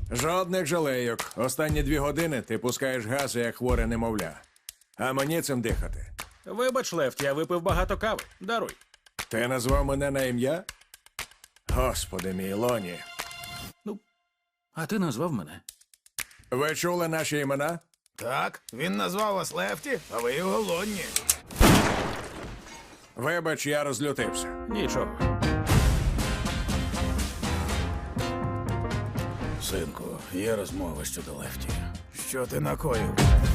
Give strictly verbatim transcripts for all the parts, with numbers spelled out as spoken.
Жодних жалейок. Останні дві години ти пускаєш гази, як хворе немовля. А мені цим дихати. Вибач, Лефті, я випив багато кави. Даруй. Ти назвав мене на ім'я? Господи мій, Лоні. Ну, а ти назвав мене. Ви чули наші імена? Так, він назвав вас Лефті, а ви його Лонні. Вибач, я розлютився. Нічого. Синку, є розмова щодо Лефті. Що ти накоїв?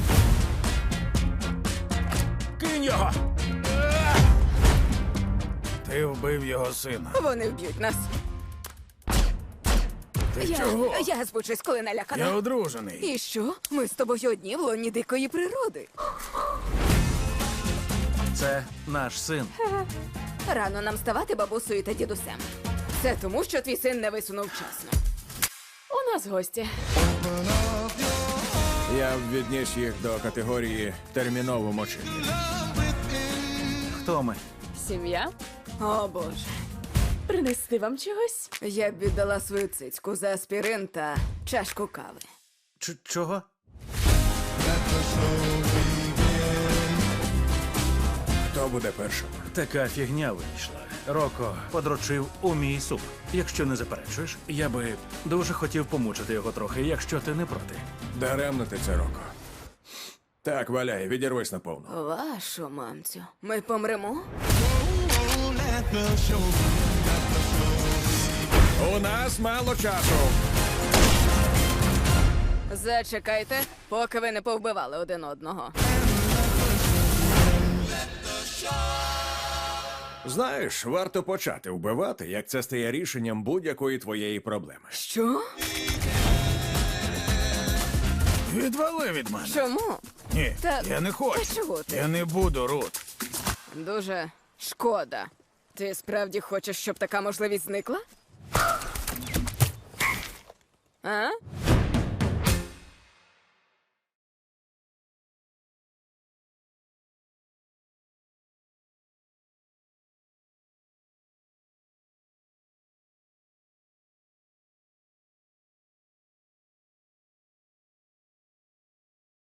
Кинь його! Ти вбив його сина. Вони вб'ють нас. Ти Я, чого? я збучусь, коли Я налякана. одружений. І що? Ми з тобою одні в лоні дикої природи. Це наш син. Рано нам ставати бабусею та дідусем. Це тому, що твій син не висунув вчасно. У нас гості. Я б відніс їх до категорії терміново мочити. Хто ми? Сім'я? О, Боже. Принести вам чогось? Я б віддала свою цицьку за аспірин та чашку кави. Ч чого? Хто буде першим? Така фігня вийшла. Роко подрочив у мій суп. Якщо не заперечуєш, я би дуже хотів помучити його трохи, якщо ти не проти. Даремно ти це, Роко. Так, валяй, відірвись наповну. Вашу мамцю. Ми помремо? У нас мало часу. Зачекайте, поки ви не повбивали один одного. Знаєш, варто почати вбивати, як це стає рішенням будь-якої твоєї проблеми. Що? Відвали від мене. Чому? Ні, Та- я не хочу. та чого ти? Я не буду, Рут. Дуже шкода. Ти справді хочеш, щоб така можливість зникла? А?